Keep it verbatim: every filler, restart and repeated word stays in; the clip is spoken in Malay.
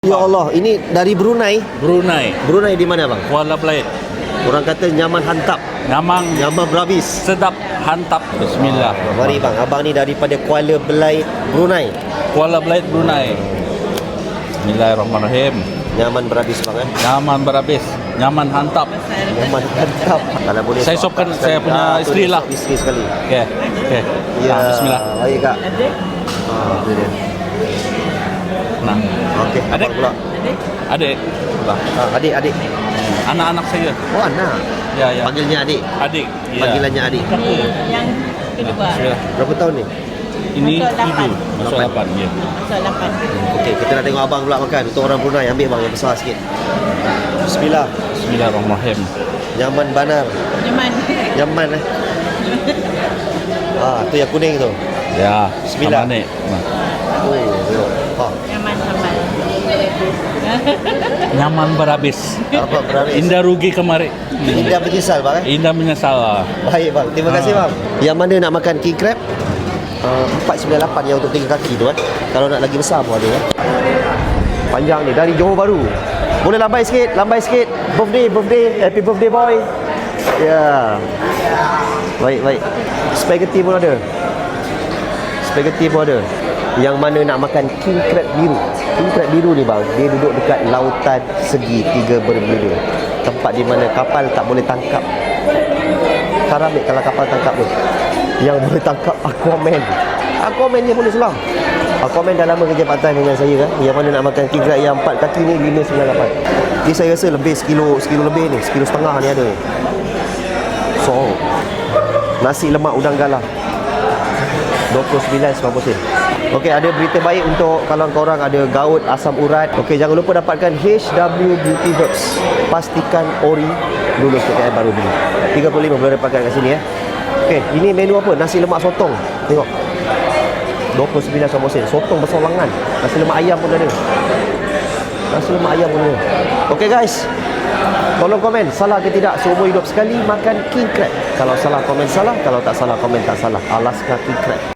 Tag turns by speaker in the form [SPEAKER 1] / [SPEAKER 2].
[SPEAKER 1] Ya Allah, ini dari Brunei.
[SPEAKER 2] Brunei,
[SPEAKER 1] Brunei di mana bang?
[SPEAKER 2] Kuala Belait.
[SPEAKER 1] Orang kata nyaman hantap,
[SPEAKER 2] Nyamang,
[SPEAKER 1] nyaman berhabis.
[SPEAKER 2] sedap, hantap. Bismillah.
[SPEAKER 1] Mari bang, abang ni daripada Kuala Belait, Brunei.
[SPEAKER 2] Kuala Belait, Brunei. Bismillahirrahmanirrahim.
[SPEAKER 1] Nyaman berhabis bang eh.
[SPEAKER 2] Nyaman berhabis, nyaman hantap.
[SPEAKER 1] Nyaman hantap. Kalau boleh
[SPEAKER 2] Saya
[SPEAKER 1] sok
[SPEAKER 2] sopkan
[SPEAKER 1] sekali.
[SPEAKER 2] saya punya
[SPEAKER 1] Ah, tu
[SPEAKER 2] isteri
[SPEAKER 1] dia,
[SPEAKER 2] lah.
[SPEAKER 1] sok Isteri sekali.
[SPEAKER 2] Okey, okey.
[SPEAKER 1] Ya,
[SPEAKER 2] Ah, Bismillah.
[SPEAKER 1] baik kak. Ah, tu dia.
[SPEAKER 2] Nah,
[SPEAKER 1] Okey,
[SPEAKER 2] Adik.
[SPEAKER 1] abang pula.
[SPEAKER 2] adik, Lah.
[SPEAKER 1] Ah, adik, adik.
[SPEAKER 2] anak-anak saya.
[SPEAKER 1] Oh anak.
[SPEAKER 2] Ya, ya.
[SPEAKER 1] Panggilnya adik.
[SPEAKER 2] Adik. Ya.
[SPEAKER 1] Panggilannya adik.
[SPEAKER 3] Ini yang kedua.
[SPEAKER 2] Bismillah.
[SPEAKER 1] Berapa tahun ni?
[SPEAKER 2] Ini
[SPEAKER 3] Masuk lapan.
[SPEAKER 2] tujuh, masuk lapan. Ya.
[SPEAKER 3] Masuk lapan.
[SPEAKER 1] Okey, kita nak tengok abang pula makan. Untuk orang Brunei, ambil bang yang besar sikit. Bismillah.
[SPEAKER 2] Bismillahirrahmanirrahim.
[SPEAKER 1] Nyaman banar.
[SPEAKER 3] Nyaman.
[SPEAKER 1] Nyaman eh. Ah, tu yang kuning tu.
[SPEAKER 2] Ya.
[SPEAKER 1] Bismillah.
[SPEAKER 2] Sama ni. Nah.
[SPEAKER 1] Oh, tengok. Ha.
[SPEAKER 3] Nyaman sambal.
[SPEAKER 2] Nyaman berhabis.
[SPEAKER 1] Apa berhabis?
[SPEAKER 2] Indah rugi kemari.
[SPEAKER 1] Indah menyesal bang eh.
[SPEAKER 2] Indah menyesal.
[SPEAKER 1] Baik bang, terima kasih bang. Yang mana nak makan king crab? Uh, empat sembilan lapan yang untuk tiga kaki tu eh. Kalau nak lagi besar pun ada eh. Panjang ni dari Johor Bahru. Boleh lambai sikit, lambai sikit. Birthday, birthday, happy birthday boy. Ya. Baik, baik. Spaghetti pun ada. Spaghetti pun ada. Yang mana nak makan king crab biru. King crab biru ni bang, dia duduk dekat lautan segi tiga berbeza. Tempat di mana kapal tak boleh tangkap. Karamik kalau kapal tangkap tu. Yang boleh tangkap Aquaman. Aquaman dia boleh selam. Aquaman dah lama kerja part time dengan saya kan. Yang mana nak makan king crab yang empat kaki ni lima sembilan lapan. Ni saya rasa lebih sekilo, sekilo lebih ni, sekilo setengah ni ada. So, nasi lemak udang galah. dua puluh sembilan sembilan puluh sen. Okey, ada berita baik untuk kalau korang ada gaut, asam urat. Okey, jangan lupa dapatkan H W Beauty Herbs. Pastikan ori lulus K K M baru beli. tiga puluh lima boleh dapatkan kat sini ya. Okey, ini menu apa? Nasi lemak sotong. Tengok. dua puluh sembilan sembilan puluh sen. Sotong bersolangan. Nasi lemak ayam pun ada. Nasi lemak ayam pun ada. Okey guys. Tolong komen salah ke tidak seumur hidup sekali makan king crab. Kalau salah komen salah, kalau tak salah komen tak salah. Alaska king crab.